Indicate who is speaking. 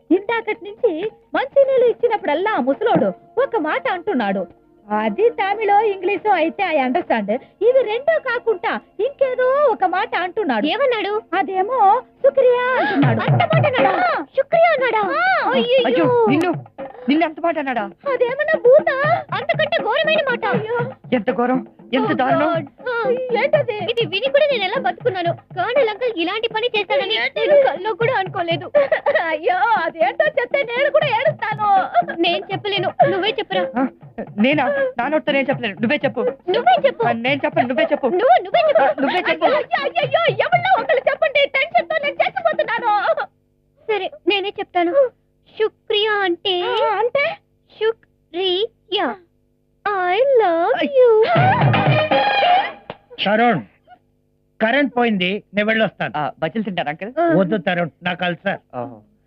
Speaker 1: ఇందాకటి నుంచి మంచినీళ్ళు ఇచ్చినప్పుడల్లా ఆ ముసలోడు ఒక మాట అంటున్నాడు. అది తమిళో ఇంగ్లీషో అయితే ఐ అండర్స్టాండ్. ఇవి రెండో కాకుండా ఇంకేదో ఒక మాట అంటున్నాడు. ఏమన్నాడు? అదేమో శుక్రియా అంటున్నాడు. అంత మాట అన్నాడా? శుక్రియా అన్నాడా?
Speaker 2: అయ్యో నిన్ను అంత మాట అన్నాడా?
Speaker 1: అదేమన్నా భూత? అంతకంటే ఘోరమైన మాట.
Speaker 2: ఎంత ఘోరం, ఎంత దారుణం.
Speaker 1: ఏంటది? ఇది విని కూడా నేను ఎలా బతుకున్నాను. కర్నల్ అంకుల్ ఇలాంటి పని చేస్తాడని నేను కల్లో కూడా అనుకోలేదు. అయ్యో అదేంటో చెప్తే నేను కూడా ఏడుస్తాను. నేను చెప్పలేను, నువ్వే చెప్పురా.
Speaker 2: నేనా? నా నోటితో నేను చెప్పలేను, నువ్వే చెప్పు.
Speaker 1: నువ్వే చెప్పు.
Speaker 2: నేను చెప్పను, నువ్వే చెప్పు.
Speaker 1: నువ్వే చెప్పు.
Speaker 2: నువ్వే చెప్పు.
Speaker 1: అయ్యో ఎవరిలో ఒకళ్ళు చెప్పండి, టెన్షన్ తో నేను చచ్చిపోతున్నాను. సరే నేనే చెప్తాను. శుక్రియా అంటే శుక్రియా. I love you.
Speaker 3: Tarun, current పోయింది, నేను వెళ్ళొస్తాను.
Speaker 2: బజ్జీలు తింటారా అంకల్?
Speaker 3: వద్దు తరుణ్, నాకు అల్సర్.